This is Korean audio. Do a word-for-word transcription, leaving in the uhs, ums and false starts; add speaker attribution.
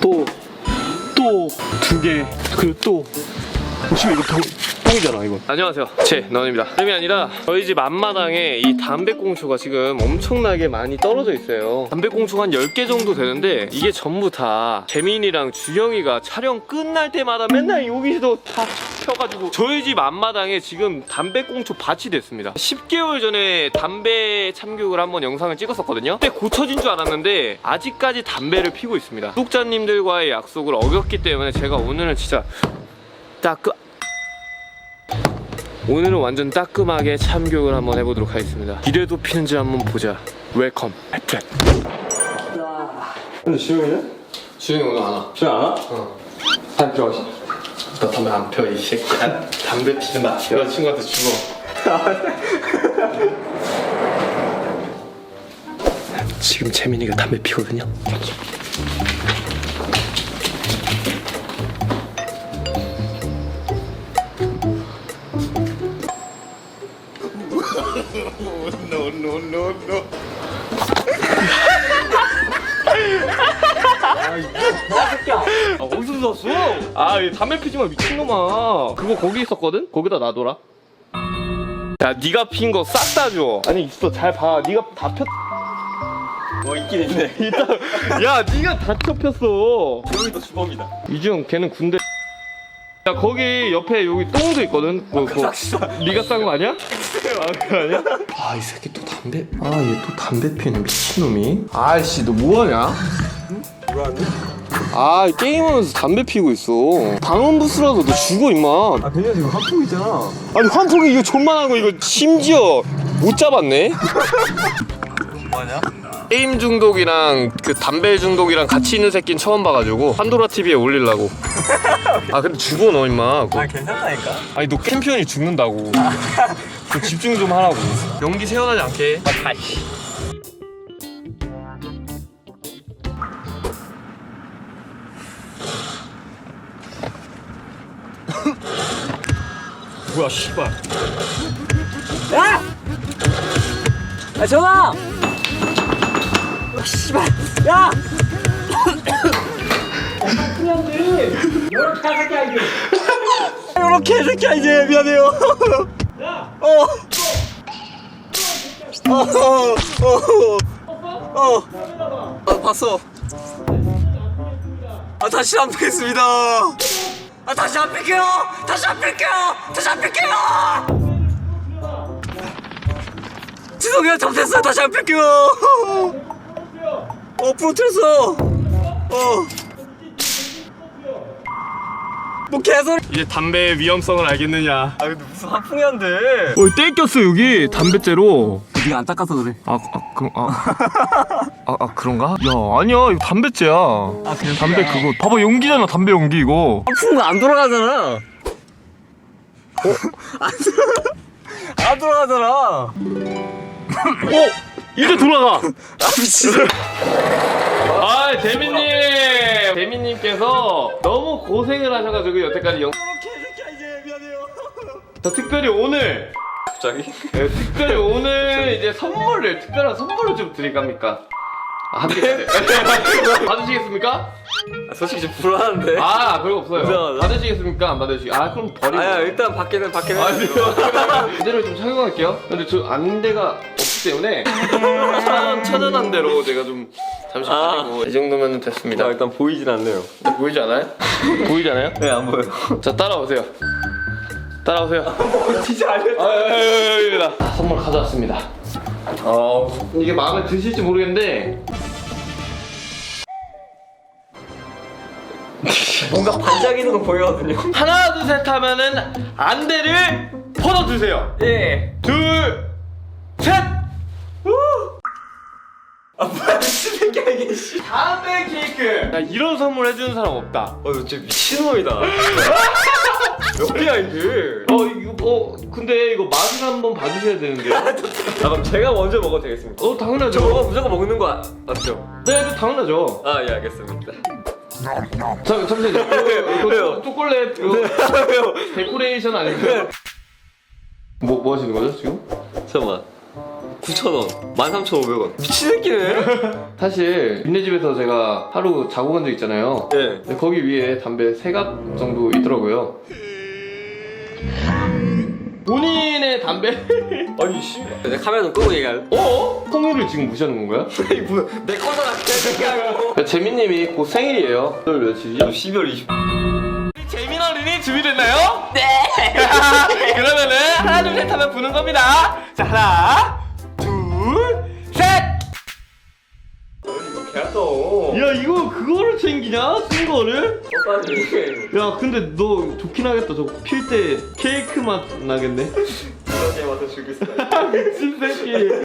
Speaker 1: 또 또 두 개 그리고 또 지금 이거 병, 똥이잖아 이거. 안녕하세요, 제넌입니다. 다름이 아니라 저희 집 앞마당에 이 담배꽁초가 지금 엄청나게 많이 떨어져 있어요. 담배꽁초가 한 열 개 정도 되는데 이게 전부 다 재민이랑 주영이가 촬영 끝날 때마다 맨날 여기서 다 펴가지고 저희 집 앞마당에 지금 담배꽁초 밭이 됐습니다. 십 개월 전에 담배 참교육을 한번 영상을 찍었었거든요. 그때 고쳐진 줄 알았는데 아직까지 담배를 피고 있습니다. 구독자님들과의 약속을 어겼기 때문에 제가 오늘은 진짜 따끔 오늘은 완전 따끔하게 참교육을 한번 해보도록 하겠습니다. 이래도 피는지 한번 보자. 웰컴 핫트랙.
Speaker 2: 근데 지영이는?
Speaker 1: 주영이 오늘 안 와.
Speaker 2: 지영 안 와?
Speaker 1: 어. 담배 피워가지. 너 담배 안 펴, 이 새끼야. 담배 피는다. 여자친구한테 죽어. 지금 재민이가 담배 피거든요.
Speaker 2: no, no, no, no.
Speaker 1: 아, 어디서 샀어? 아, 이 담배 피지 마, 미친놈아. 그거 거기 있었거든? 거기다 놔둬라. 야, 네가 핀 거 싹 다 줘. 아니, 있어, 잘 봐. 네가 다 폈.
Speaker 2: 뭐 있긴 있네.
Speaker 1: 일단, 야, 네가 다 펴폈어.
Speaker 2: 지영이도 주범이다.
Speaker 1: 이주영, 걔는 군대. 야, 거기 옆에 여기 똥도 있거든? 그, 그, 네가 싼 거 아니야? 아, 그거 아니야? 아, 이 새끼 또 담배. 아, 얘 또 담배 피네, 미친놈이. 아이씨, 너 뭐하냐?
Speaker 2: 뭐하니?
Speaker 1: 아, 게임하면서 담배 피고 있어. 방음 부스라도 너 죽어, 임마.
Speaker 2: 아, 그냥 지금 한풍 있잖아.
Speaker 1: 아니, 환풍기 이거 존만한 거 이거 심지어 못 잡았네?
Speaker 2: 뭐하냐?
Speaker 1: 게임 중독이랑 그 담배 중독이랑 같이 있는 새끼는 처음 봐가지고 판도라 티비에 올리려고. 아, 근데 죽어, 너 임마.
Speaker 2: 아, 괜찮다니까?
Speaker 1: 아니, 너 캠피언이 죽는다고. 좀 집중 좀 하라고. 연기 새어나지 않게. 아, 아이씨. 뭐야, 씨발.
Speaker 3: 야! 야, 전화! 아, 씨발! 야! 요렇게 할 새끼야, 이제! 요렇게 할 새끼야, 이제! 미안해요! 야! 어! 어! 어! 어! 어! 아, 봤어! 아, 다시 안 뵙겠습니다! 아, 다시 안 뺄게요! 다시 안 뺄게요! 다시 안 뺄게요! 죄송해요, 잘못했어요. 다시 안 뺄게요. 어, 부러뜨렸어. 어. 뭐 개소리.
Speaker 1: 이제 담배의 위험성을 알겠느냐.
Speaker 2: 아, 근데 무슨 한풍이 한데?
Speaker 1: 어, 떼꼈어 여기 담배째로.
Speaker 3: 네가 안 닦아서 그래.
Speaker 1: 아, 아, 그럼 아, 아, 아 그런가? 야, 아니야, 이거 담배째야.
Speaker 3: 아, 그래.
Speaker 1: 담배 그거 봐봐, 용기잖아, 담배 용기 이거.
Speaker 3: 풍은 안 돌아가잖아. 어? 안 돌아. 안 돌아가잖아.
Speaker 1: 어, 이제 돌아가.
Speaker 3: 아, 미친.
Speaker 1: 아, 재민님, 재민님께서 너무 고생을 하셔가지고 여태까지 영.
Speaker 3: 이렇게 이렇게 이제 미안해요.
Speaker 1: 저 특별히 오늘,
Speaker 2: 갑자기?
Speaker 1: 네, 특별히 오늘 이제 선물을 특별한 선물을 좀 드릴 겁니까? 아, 안 되겠네. 받으시겠습니까?
Speaker 2: 아, 솔직히 좀 불안한데?
Speaker 1: 아, 별거 없어요.
Speaker 2: 이상하다.
Speaker 1: 받으시겠습니까? 안 받으시겠? 아, 그럼 버리고.
Speaker 2: 아야, 일단 밖에는 밖에는.
Speaker 1: 아니요. 안대를 좀 착용할게요. 근데 저 안대가 없기 때문에 천, 천연 안대로 제가 좀 잠시
Speaker 2: 아.
Speaker 1: 버리고 이 정도면 됐습니다.
Speaker 2: 자, 일단 보이진 않네요.
Speaker 1: 보이지 않아요? 보이지 않아요?
Speaker 2: 네, 안 보여요.
Speaker 1: 자, 따라오세요. 따라오세요.
Speaker 2: 진짜 알겠다.
Speaker 1: 아, 여기다 선물 가져왔습니다. 어, 이게 마음에 드실지 모르겠는데
Speaker 2: 뭔가 반짝이는 건 보이거든요.
Speaker 1: 하나 둘 셋 하면은 안대를 벗어주세요.
Speaker 2: 예.
Speaker 1: 둘, 셋.
Speaker 2: 아, 뭐야, 미친 새끼야, 이게, 씨.
Speaker 1: 담배 케이크. 야, 이런 선물 해주는 사람 없다.
Speaker 2: 어, 이거 진짜 미친놈이다. 몇이야, 이게?
Speaker 1: 어, 이거 어 근데 이거 맛을 한번 봐주셔야 되는데.
Speaker 2: 아, 그럼 제가 먼저 먹어도 되겠습니까?
Speaker 1: 어, 당연하죠.
Speaker 2: 저거 무조건 먹는 거 아- 맞죠?
Speaker 1: 네, 네, 당연하죠.
Speaker 2: 아, 예, 알겠습니다.
Speaker 1: 잠 잠시만요. 이거
Speaker 2: 왜요?
Speaker 1: 초콜릿 이거
Speaker 2: 왜요?
Speaker 1: 데코레이션 아니고요? 뭐, 뭐 하시는 거죠 지금?
Speaker 2: 잠깐만. 구천 원, 만 삼천 오백 원. 미친 새끼네.
Speaker 1: 사실 니네 집에서 제가 하루 자고 간 적 있잖아요.
Speaker 2: 네.
Speaker 1: 근데 거기 위에 담배 세 갑 정도 있더라고요. 본인의 담배?
Speaker 2: 아니 씨. 내 카메라 좀 끄고 얘기할래?
Speaker 1: 어? 성유를 지금 무시하는 건가요?
Speaker 2: 아니 뭐야? 내 거잖아. 개새끼야.
Speaker 1: 재민님이 곧 생일이에요. 오늘 며칠이죠?
Speaker 2: 십이월 이십.
Speaker 1: 재민 어린이 준비됐나요? 네. 그러면은 하나 둘 셋 하면 부는 겁니다. 자 하나 둘 셋.
Speaker 2: 개아까워.
Speaker 1: 야 이거 그거를 챙기냐? 쓴 거를?
Speaker 2: 어따지.
Speaker 1: 야 근데 너 좋긴 하겠다. 저거 필 때 케이크 맛 나겠네.
Speaker 2: 이렇게 맡아 주겠어.
Speaker 1: 미친 새끼.